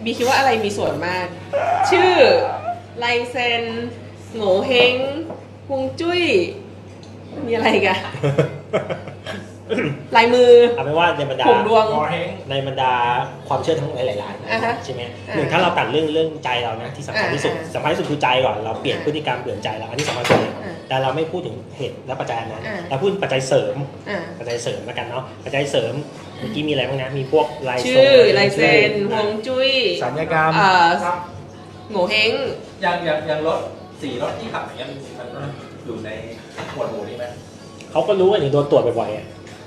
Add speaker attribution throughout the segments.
Speaker 1: บีคิดว่าอะไรมีส่วนมาก ชื่อลายเซ็นโง่เฮงฮวงจุ้ยมีอะไรกัน ลายมือ
Speaker 2: เอาเป็นว่าในบรรดา
Speaker 1: ผมดวง
Speaker 2: ในบรรดาความเชื่อทั้งหลายๆใช่ไหมหนึ่งถ้าเราตัดเรื่องใจเรานะที่สำคัญที่สุดสำคัญที่สุดคือใจก่อนเราเปลี่ยนพฤติกรรมเปลี่ยนใจเราอันนี้สำคัญสุดเลยแต่เราไม่พูดถึงเหตุและปัจจัยนั้นเราพูดปัจจัยเสริมปัจจัยเสริมแล้วกันเนาะปัจจัยเสริมเมื่อกี้มีอะไรบ้างนะมีพวกลาย
Speaker 1: ชื่อลายเซ็นฮวงจุ้ย
Speaker 3: สัญญกรรม
Speaker 1: โง่เฮง
Speaker 4: อย่างรถ4รถที่ขับอย่างเงี้ยมันอยู่ในหมวดหมู่นี้ไหม
Speaker 2: เขาก็รู้ว่าอย่างโดนตรวจบ่อยๆอ่ะ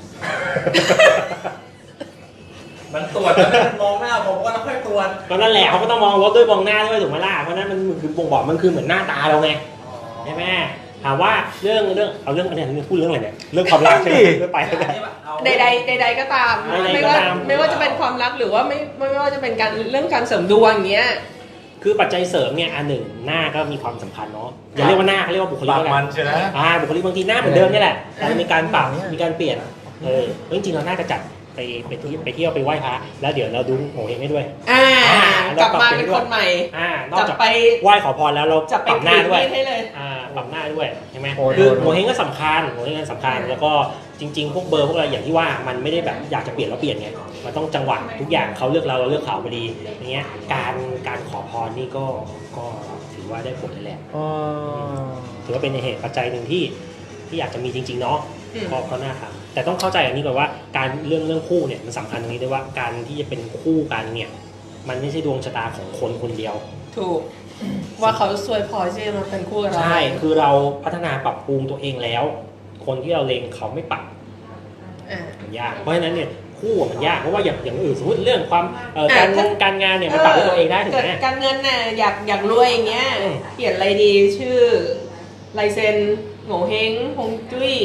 Speaker 4: มันตรวจแล้วมันมองหน้าผมก็ต้องค่อยตรวจ
Speaker 2: ก็นั่นแหละเขาก็ต้องมองรถด้วยมองหน้าด้วยถูกไหมล่ะเพราะนั้นมันคือบ่งบอกมันคือเหมือนหน้าตาเราไงใช่ไหมถามว่าเรื่องเอาเรื่องอันนี้พูดเรื่องอะไรเนี่ยเรื่องความรักใช่ไหมไม่ไปแล้ว
Speaker 1: ใดๆก็ตามไม่ว่าจะเป็นความรักหรือว่าไม่ว่าจะเป็นการเรื่องการเสริมดวงอย่างเงี้ย
Speaker 2: คือปัจจัยเสริมเนี่ยอันหนึ่งหน้าก็มีความสำคัญเนาะอย่าเรียกว่าหน้าเขาเรียกว่าบุคลิก
Speaker 3: ปากมันใช่ไหม
Speaker 2: บุคลิกบางทีหน้าเหมือนเดิมนี่แหละแต่มีการปรับมีการเปลี่ยนจริงๆเราน่าจะจัดไปเที่ยวไปไหว้พระแล้วเดี๋ยวเราดูโง่เฮงให้ด้วย
Speaker 1: กลับมาเป็นคนใหม่
Speaker 2: นอกจากไปไหว้ขอพรแล้วเราปรับหน้าด้วย
Speaker 1: ให้เลย
Speaker 2: ปรับหน้าด้วยใช่ไหมคือโง่เฮงก็สำคัญโง่เฮงก็สำคัญแล้วก็จริงๆพวกเบอร์พวกอะไรอย่างที่ว่ามันไม่ได้แบบอยากจะเปลี่ยนแล้วเปลี่ยนไงมันต้องจังหวะทุกอย่างเขาเลือกเราเลือกเขาพอดีอย่างเงี้ยการขอพรนี่ก็ถือว่าได้ผลเลยแหละถือว่าเป็นเหตุปัจจัยหนึ่งที่อยากจะมีจริงๆเนาะก็น่าทำแต่ต้องเข้าใจอันนี้ก่อนว่าการเรื่องคู่เนี่ยมันสำคัญตรงนี้ด้วยว่าการที่จะเป็นคู่กันเนี่ยมันไม่ใช่ดวงชะตาของคนคนเดียว
Speaker 1: ถูกว่าเขาสวยพอที่จะมาเป็นคู่กับเรา
Speaker 2: ใช่คือเราพัฒนาปรับปรุงตัวเองแล้วคนที่เราเล็งเขาไม่ปรับมันยากเพราะฉะนั้นเนี่ยคู่มันยากเพราะว่าอย่างอื่นสมมติเรื่องความการงานเนี่ยมันปรับด้วยตัวเองได้ถูกไหม
Speaker 1: การเงินน่ะอยากรวยอย่างเงี้ยเขียนอะไรดีชื่อลายเซ็นโง่เฮงฮวงจุ้ย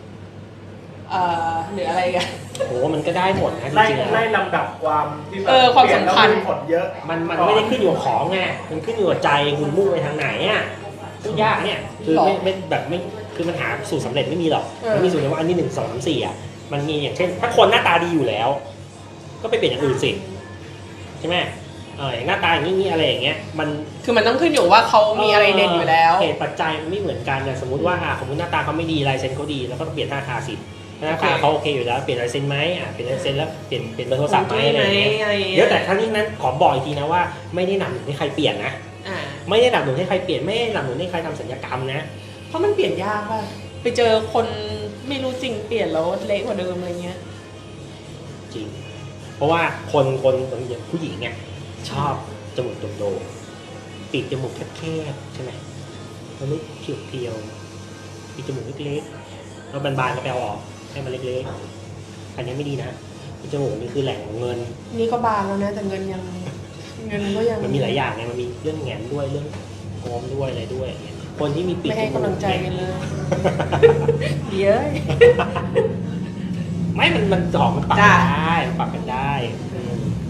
Speaker 1: หรืออะไรกัน
Speaker 2: โอ้มันก็ได้หมดนะจริงๆ
Speaker 3: ไล่ลำดับความที่
Speaker 1: ความสำคัญ
Speaker 3: ผลเยอะ
Speaker 2: มันไม่ได้ขึ้นอยู่กับของไงมันขึ้นอยู่กับใจคุณมุ่งไปทางไหนอ่ะทุกยากเนี่ยคือไม่แบบไม่คือมันหาสูตรสำเร็จไม่มีหรอกมันมีสูตรเดียวว่าอันนี้1 2 3 4อ่ะมันมีอย่างเช่นถ้าคนหน้าตาดีอยู่แล้วก็ไปเปลี่ยนอย่างอื่นสิใช่ไหมอย่างหน้าตาอย่างนี้อะไรอย่างเงี้ยมัน
Speaker 1: คือมันต้องขึ้นอยู่ว่าเขามีอะไรเด่นอยู่แล้ว
Speaker 2: เหตุปัจจัยมันไม่เหมือนกันเนี่ยสมมติว่าสมมติหน้าตาเขาไม่ดีลายเซ็นเขาดีแล้วก็เปลี่ยนหน้าตาสิหน้าตาเขาโอเคอยู่แล้วเปลี่ยนลายเซ็นไหมเปลี่ยนลายเซ็นแล้วเปลี่ยนเบอร์โทรศัพท์ไหมอะไรอย่างเงี้ยเดี๋ยวแต่ทั้งนี้นั้นขอบอกอีกทีนะว่าไม่ได้นำหนุนให้ใครเปลี่ยนนะไม่ได้นำหนุนให้ใครเปลี่ยนไม่ได้นำหนุนให้ใครทำศัลยกรรมนะ
Speaker 1: เพราะมันเปลี่ยนยากป่ะไปเจอคนไม่รู้จริงเปลี่ยนแล้วเละกว่าเดิมอะไรเงี้ย
Speaker 2: จริงเพราะว่าคนอย่างผู้หญิงเนี่ยชอบจมูกโด่งๆปีกจมูกแคบๆใช่ไหมมันไม่เพียวๆปีกจมูกเล็กๆแล้วบานๆก็ไปเอาออกให้มันเล็กๆอันนี้ไม่ดีนะปีกจมูกนี่คือแหล่งของเงิน
Speaker 1: นี่ก็บานแล้วนะแต่เงินก็ยัง
Speaker 2: มันมีหลายอย่างไงมันมีเรื่องแหงนด้วยเรื่องโอมด้วยอะไรด้วยคนที่มีปีก
Speaker 1: ไม่ให้กำลังใจกันเลยเดี๋ยว
Speaker 2: ไม่มันออกมันปรับได้ปรับกันได้